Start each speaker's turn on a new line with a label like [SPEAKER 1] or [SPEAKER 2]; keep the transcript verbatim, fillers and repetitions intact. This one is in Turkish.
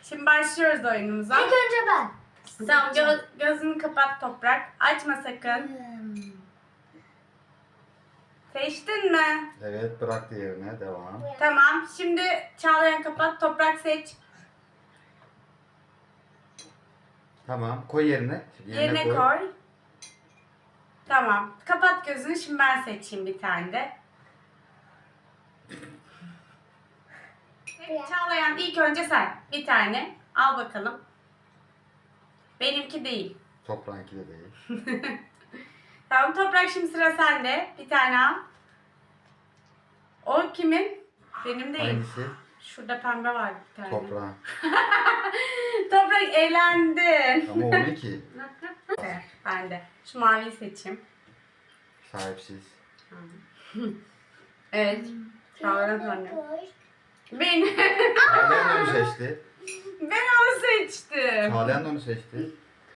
[SPEAKER 1] Şimdi başlıyoruz oyunumuza.
[SPEAKER 2] İlk önce ben.
[SPEAKER 1] Tamam, gö- gözünü kapat Toprak. Açma sakın.
[SPEAKER 2] Hmm.
[SPEAKER 1] Seçtin mi?
[SPEAKER 3] Evet, bıraktı yerine. Devam.
[SPEAKER 1] Tamam. Şimdi Çağlayan kapat. Toprak seç.
[SPEAKER 3] Tamam. Koy yerine. Şimdi
[SPEAKER 1] Yerine koy. Tamam. Kapat gözünü. Şimdi ben seçeyim bir tane de. Evet, Çağlayan ilk önce sen. Bir tane. Al bakalım. Benimki değil.
[SPEAKER 3] Toprağınki de değil.
[SPEAKER 1] Tamam Toprak, şimdi sıra sende. Bir tane al. O kimin? Benim değil.
[SPEAKER 3] Hangisi?
[SPEAKER 1] Şurada pembe var bir tane.
[SPEAKER 3] Toprağın.
[SPEAKER 1] Toprak eğlendin.
[SPEAKER 3] Ama o ne ki?
[SPEAKER 1] Evet, ben de. Şu maviyi seçeyim.
[SPEAKER 3] Sahipsiz.
[SPEAKER 1] Evet. Çağlayan annem. Ben.
[SPEAKER 3] Çağlayan da onu seçti.
[SPEAKER 1] Ben onu seçtim.
[SPEAKER 3] Çağlayan da onu seçti.